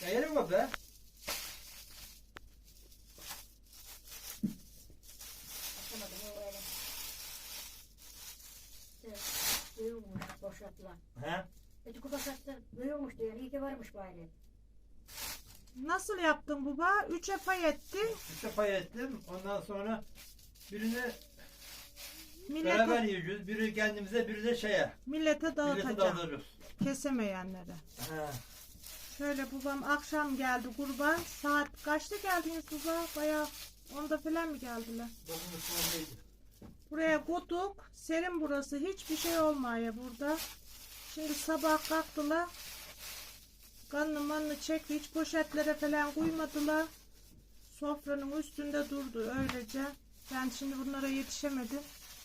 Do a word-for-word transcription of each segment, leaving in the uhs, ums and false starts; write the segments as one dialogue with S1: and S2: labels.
S1: Eğer mi be?
S2: Atamadım o öyle. Evet, büyümüş boşaltılan.
S1: He?
S2: Öteki boşalttı büyümüş diyor. İyi ki varmış bari.
S3: Nasıl yaptın baba? Üçe pay ettin.
S1: İşte pay ettim. Ondan sonra birini
S3: Millete,
S1: beraber yiyeceğiz. Biri kendimize, biri de şeye.
S3: millete
S1: Millete
S3: dağıtacağım.
S1: dağıtırız.
S3: Kesemeyenlere.
S1: He.
S3: Şöyle babam akşam geldi kurban. Saat kaçta geldiniz baba? Bayağı onda falan mı geldiler?
S1: Dokuz sondaydı.
S3: Buraya koyduk. Serin burası. Hiçbir şey olmuyor burada. Şimdi sabah kalktılar. Kanlı manlı çekti. Hiç poşetlere falan koymadılar. Sofranın üstünde durdu öylece. Ben şimdi bunlara yetişemedim.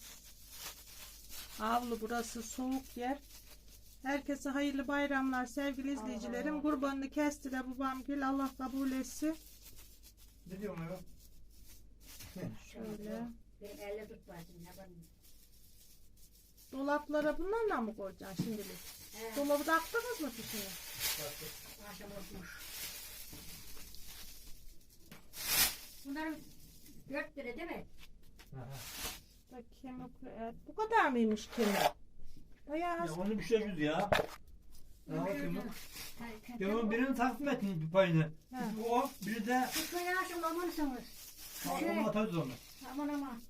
S3: Avlu burası soğuk yer. Herkese hayırlı bayramlar sevgili izleyicilerim.
S2: Allah.
S3: Kurbanını kesti de babam gül Allah kabul etsin.
S1: Ne diyorum ya?
S3: Şöyle.
S2: Benim elle tut başını. Yaparım.
S3: Dolaplara bunlarla mı koyacaksın şimdilik?
S2: He.
S3: Dolabı da attınız mı fişini?
S2: Akşam olmuş. Bunların dört lira değil mi?
S3: Bak kemikli et. Bu kadar mıymış kemik? Bayağı
S1: Ya
S3: az.
S1: onu bir şey yüz ya. Ne bakayım bak.
S2: Ya
S1: Yaman birinin takdim ettin bir payını.
S3: He.
S1: O, biri de
S2: Tutmayın akşam olmalısınız.
S1: onu atarız onu.
S2: Aman aman.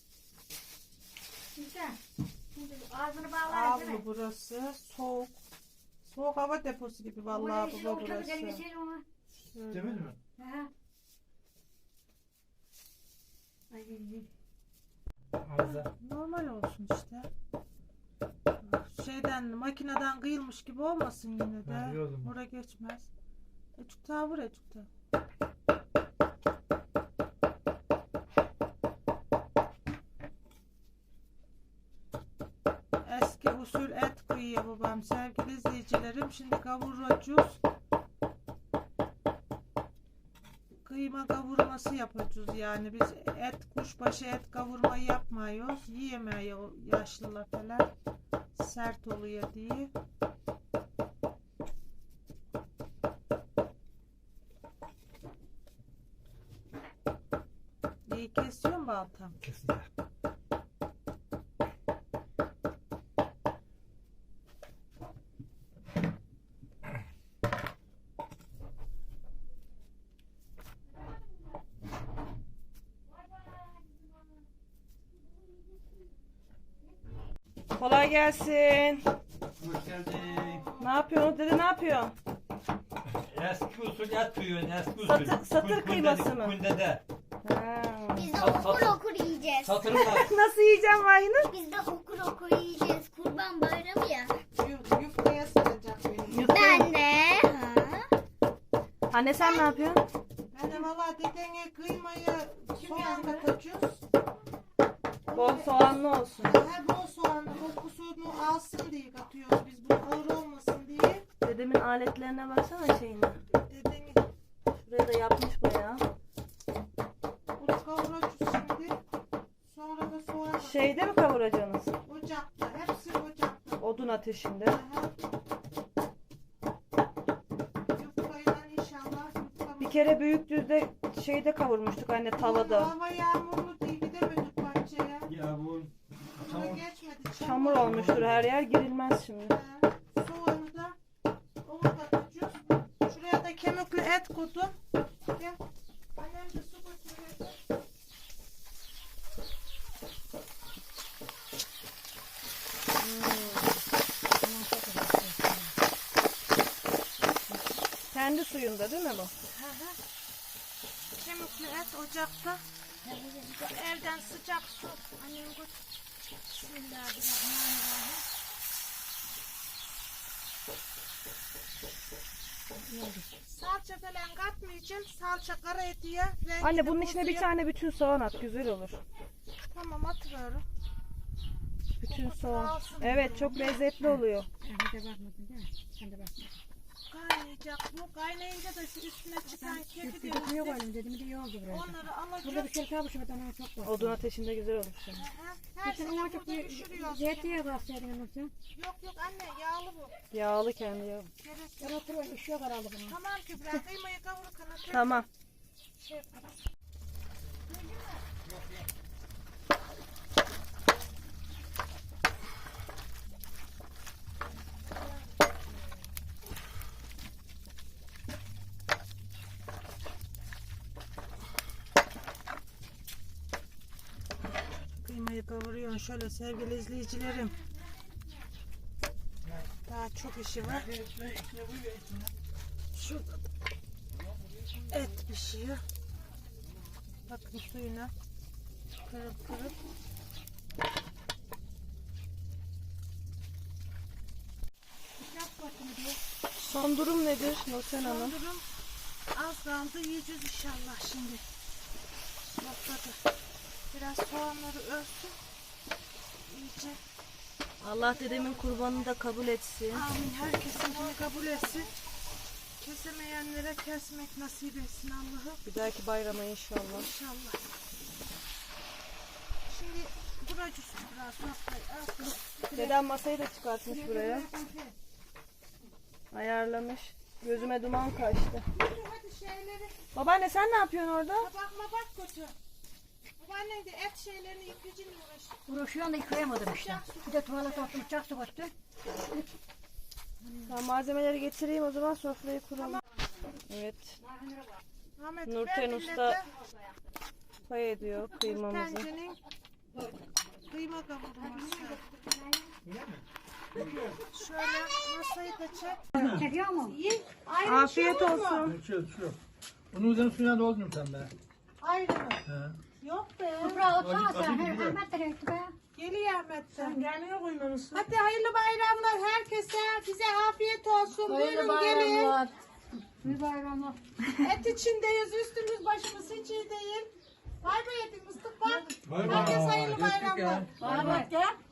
S2: Güzel. Şimdi ağzını bağlar değil mi?
S3: Avlu burası. Soğuk. Soğuk hava deposu gibi vallahi
S2: Oraya
S3: baba
S2: oturdu,
S3: burası.
S2: gelmeseydin ona.
S3: Şöyle.
S1: Demir mi?
S2: He. Ay,
S1: Ağza.
S3: Normal olsun işte. Şeyden makineden kıyılmış gibi olmasın yine de.
S1: Ha, iyi o zaman.
S3: Oraya geçmez. Ecuk ta vur ecuk ta. Eski usul et kıyıyor babam sevgili izleyicilerim. Şimdi kavuracağız. Kıyma kavurması yapacağız yani biz et kuşbaşı et kavurmayı yapmıyoruz. Yiyemeyiyor yaşlılar falan. Sert oluyor diye. İyi kesiyorum baltam.
S1: Kesinlikle.
S3: Kolay gelsin.
S1: Hoş geldin.
S3: Ne yapıyorsun dede ne yapıyorsun?
S1: Eski usul et kıyıyorsun, eski usul.
S3: Satır- satır
S1: Kul-
S3: kıyması
S1: kundede-
S3: mı?
S1: Kundede.
S3: Ha.
S4: Biz de
S1: Sat-
S4: okur
S1: sat-
S4: okur yiyeceğiz.
S1: Satırım var.
S3: Nasıl yiyeceğim vayını?
S4: Biz de okur okur yiyeceğiz. Kurban bayramı ya.
S3: Yufkaya saracak beni.
S4: Ben de. Ha.
S3: Anne sen ne yapıyorsun? Ben de valla dedene kıymayı soğan katacağız.
S5: Bol soğanlı olsun.
S3: Her bol soğanlı kokusunu alsın diye katıyoruz biz. Bu ağır olmasın diye.
S5: Dedemin aletlerine baksana şeyine.
S3: Dedeni
S5: Şuraya da yapmış bayağı.
S3: bunu kavuracağız şimdi. Sonra da soğan
S5: Şeyde mi kavuracaksınız?
S3: ocakta. Hepsi ocakta.
S5: Odun ateşinde.
S3: Aha. Yufkayla inşallah yufkamız.
S5: Bir kere Büyükdüz'de şeyde kavurmuştuk anne tavada.
S3: Hava yağmurlu diye gidemedik bahçeye.
S1: Ya bu
S3: Sonra
S1: tamam.
S3: geçmedi.
S5: Çamur olmuştur her yer, girilmez şimdi.
S3: He. Soğanı da onu katacağız. Şuraya da kemikli et koydum. Gel. Annem de su götürüyor.
S5: Kendi suyunda değil mi bu?
S3: Hı hı. Kemikli et ocakta. Evden sıcak su. Annem götür. Bismillahirrahmanirrahim. Salça falan katmayacağım. Salça kara eti ya. Rengi
S5: Anne
S3: de
S5: bunun içine bir
S3: bozuyor.
S5: tane bütün soğan at, güzel olur.
S3: Tamam atıyorum.
S5: Bütün
S3: Kokusunu
S5: soğan.
S3: alsın
S5: Evet
S3: diye.
S5: çok lezzetli oluyor.
S2: Bir de bakmadın değil mi? Sen de bak.
S3: kaynayacak. Bu kaynayınca da şu üstüne çıkan kedi
S2: Bir de
S3: diyor.
S2: koyalım dedim. Bir de yoğurdu buraya.
S3: Onları
S2: Burada bir
S3: alacak.
S2: şey kalmış ama daha çok var.
S5: Odun ateşinde güzel olur şimdi.
S3: Her
S2: Sen
S3: sene
S2: ona çok
S3: burada
S2: bir
S3: pişiriyoruz.
S2: zeytinyağı bassaydın ama sen.
S3: Yok yok anne yağlı bu.
S5: Yağlı kendi yağı.
S3: Gerek yok.
S2: Ben oturuyorum. İş yok herhalde bunun.
S3: Tamam Kübra kıymayı kavururken tekrar
S5: Tamam.
S3: şey yaparız. Kıymayı kavuruyorsun şöyle sevgili izleyicilerim. Daha çok işi var. Şurada da et pişiyor. Bakın suyuna kırıp kırıp.
S5: Son durum nedir Nurten Hanım?
S3: Son durum az kaldı yiyeceğiz inşallah şimdi. Noktada. Biraz soğanları örtün. İyice.
S5: Allah dedemin kurbanını da kabul etsin.
S3: Amin. Herkesinkini kabul etsin. Kesemeyenlere kesmek nasip etsin Allah'ım.
S5: Bir dahaki bayrama inşallah.
S3: İnşallah. Şimdi buracı biraz sofrayı al.
S5: Dedem masayı da çıkartmış buraya. Ayarlamış. Gözüme duman kaçtı.
S3: Yürü hadi şeyleri.
S5: Babaanne sen ne yapıyorsun orada?
S3: Tabak mabak götür. Babaannen de et şeylerini yıkayıcıyla uğraşıyor.
S2: Uğraşıyorum da yıkayamadım işte. Bir de tuvalet attım. Bıçak sokattı.
S5: Ben malzemeleri getireyim o zaman sofrayı kuralım. Evet.
S3: Ahmet
S5: Nurten
S3: ver
S5: Usta
S3: millete.
S5: pay ediyor kıymamızı.
S3: Tencerenin kıyma kavurması. Şöyle masayı da çek.
S2: Çekiyor mu?
S3: Ayrı
S5: Afiyet
S3: şey olur mu?
S5: olsun.
S1: Şu şu. Bunun üzerine suyuna doldurun sen be.
S3: Ayrı mı?
S1: He.
S3: Yok be.
S2: Toprağa otsana
S1: Acı-
S2: sen.
S1: acı
S2: Her
S1: gidiyor.
S2: Ahmet de renkli be.
S3: Geliyor Ahmet'ten.
S2: Gelmiyor kuymanız.
S3: Hadi hayırlı bayramlar herkese. Size afiyet olsun. Buyurun gelin.
S2: Bir bayramlar.
S3: Et içindeyiz. Üstümüz başımız hiç iyi değil. Bay bay edin Mustafa.
S1: Bay bay.
S3: Herkes hayırlı
S1: Geçtik ya.
S3: bayramlar.
S2: Ahmet gel.